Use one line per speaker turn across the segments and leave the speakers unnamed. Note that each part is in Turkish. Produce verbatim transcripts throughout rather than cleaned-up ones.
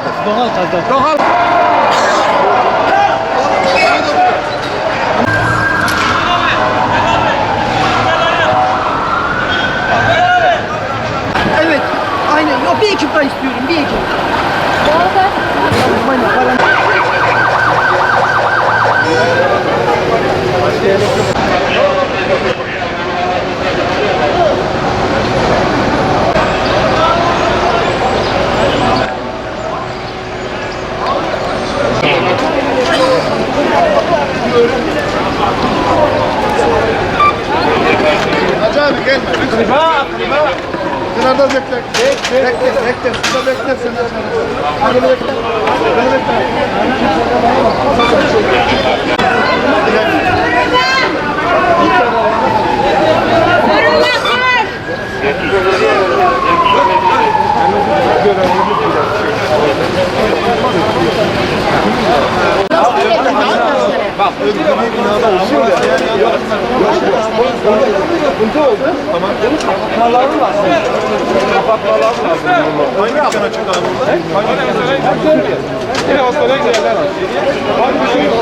Doğal gazdan.
Doğal.
Evet. Aynen. Yok, bir ekip daha istiyorum. Bir ekip.
Doğalgaz.
Aynen. Paran.
Hacı abi gelme. Akriba, akriba. Kenarda bekle. Bekle, bekle, bekle. Şurada bekle sen. Hadi bekle. Beni bekle. Bak, öbür binada ışık ya. Sıkıntı oldu. Tamam. Kapatmaları lazım. Kapatmaları lazım. Hangi dükkan açık abi burada? Hangi dükkan açık? Yine hastaneye giderler. Hangi bir şey yok.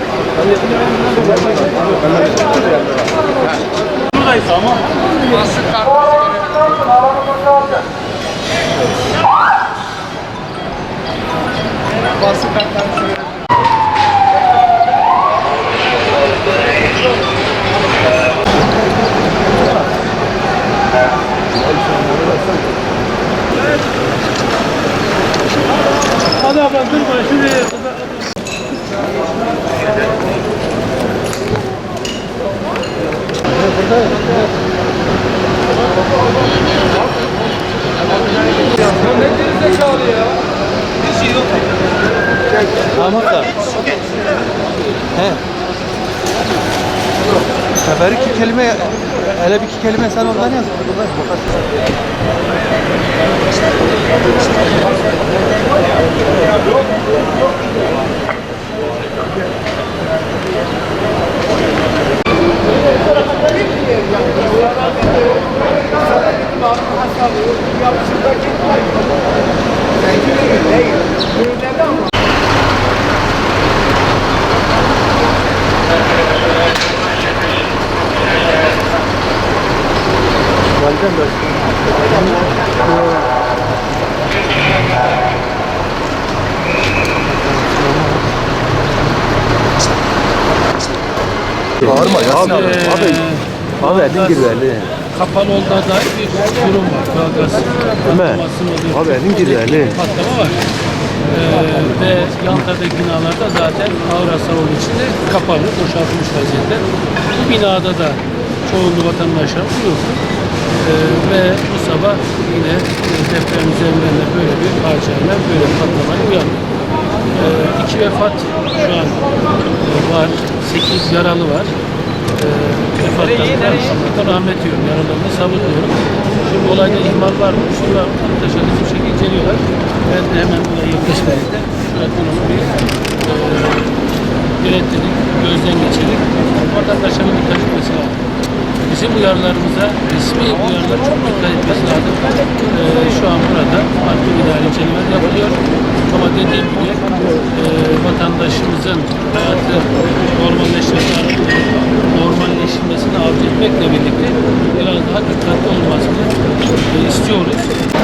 Buradayız ama. Basın kartı.
Basın kartlarını
Hadi ablam durma. Şuraya.
Tamam da. He. Sefer iki kelime, hele bir iki kelime sen oradan yaz. Bağırma ya. Abi, abi, abi elin girdi.
Kapalı olduğuna dair bir durum var. Doğalgaz patlamasının olduğu
Abi elin girdi elin.
patlama var. Ee, ve yandaki binalarda zaten ağır hasar olduğu için de kapalı, boşaltılmış vaziyette. Bu binada da çoğunluğu vatandaşlar yok. Ee, ve bu sabah yine deprem üzerinden de böyle bir faciayla, böyle bir patlamaya uyandı. Ee, iki vefat şu an e, var, sekiz yaralı var. Ee, vefatlarına Allah'tan rahmet diliyorum, yaralarını sabır diliyorum. Şimdi olayda ihmal var mı? Şimdi arkadaşlar bir şekilde inceliyorlar. Ben de hemen buraya yaklaşmayayım. Şöyle bunu bir e, yönetmelik, gözden geçirdik. Vatandaşların dikkat etmesi lazım. Bizim uyarılarımıza, resmi uyarılar çok dikkat etmesi lazım. Ee, şu an burada farklı idari incelemeler yapılıyor. Ama dediğim gibi e, vatandaşımızın hayatı normalleşmesini, normalleşmesini arzu etmekle birlikte biraz daha dikkatli olmasını e, istiyoruz.